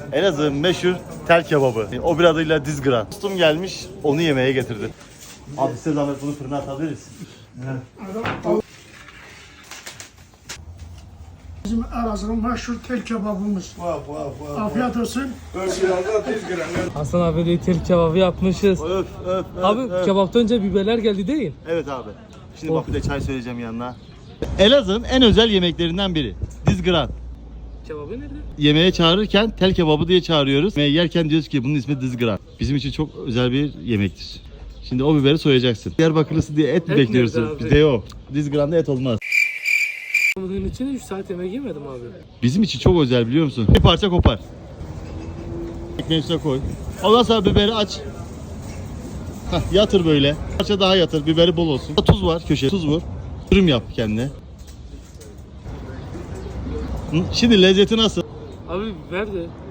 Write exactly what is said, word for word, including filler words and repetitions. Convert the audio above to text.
Elazığ'ın meşhur tel kebabı. O bir adıyla dizgran. Dostum gelmiş, onu yemeye getirdi. Abi size zahmet bunu fırına atabiliriz. Bizim Elazığ'ın meşhur tel kebabımız. Vah vah vah. Afiyet olsun. Örsiyalda dizgiren. Hasan abi de tel kebabı yapmışız. Öf öf öf. Abi öf. kebaptan önce biberler geldi değil. Evet abi. Şimdi Oh. bak bir de çay söyleyeceğim yanına. Elazığ'ın en özel yemeklerinden biri. Dizgran. Kebabı nerede? Yemeğe çağırırken tel kebabı diye çağırıyoruz. Yemeği yerken diyoruz ki bunun ismi dizgran. Bizim için çok özel bir yemektir. Şimdi o biberi soyacaksın. Diyarbakırlısı diye et mi Et bekliyorsun? nerede abi? Bizde yok. Dizgranda et olmaz. Bunun için üç saat yemek yemedim abi. Bizim için çok özel biliyor musun? Bir parça kopar. Ekmeğin üstüne koy. Ondan sonra biberi aç. Hah, yatır böyle. Bir parça daha yatır. Biberi bol olsun. Tuz var köşeye. Tuz vur. Dürüm yap kendine. Hı, şimdi lezzeti nasıl? Abi biber de.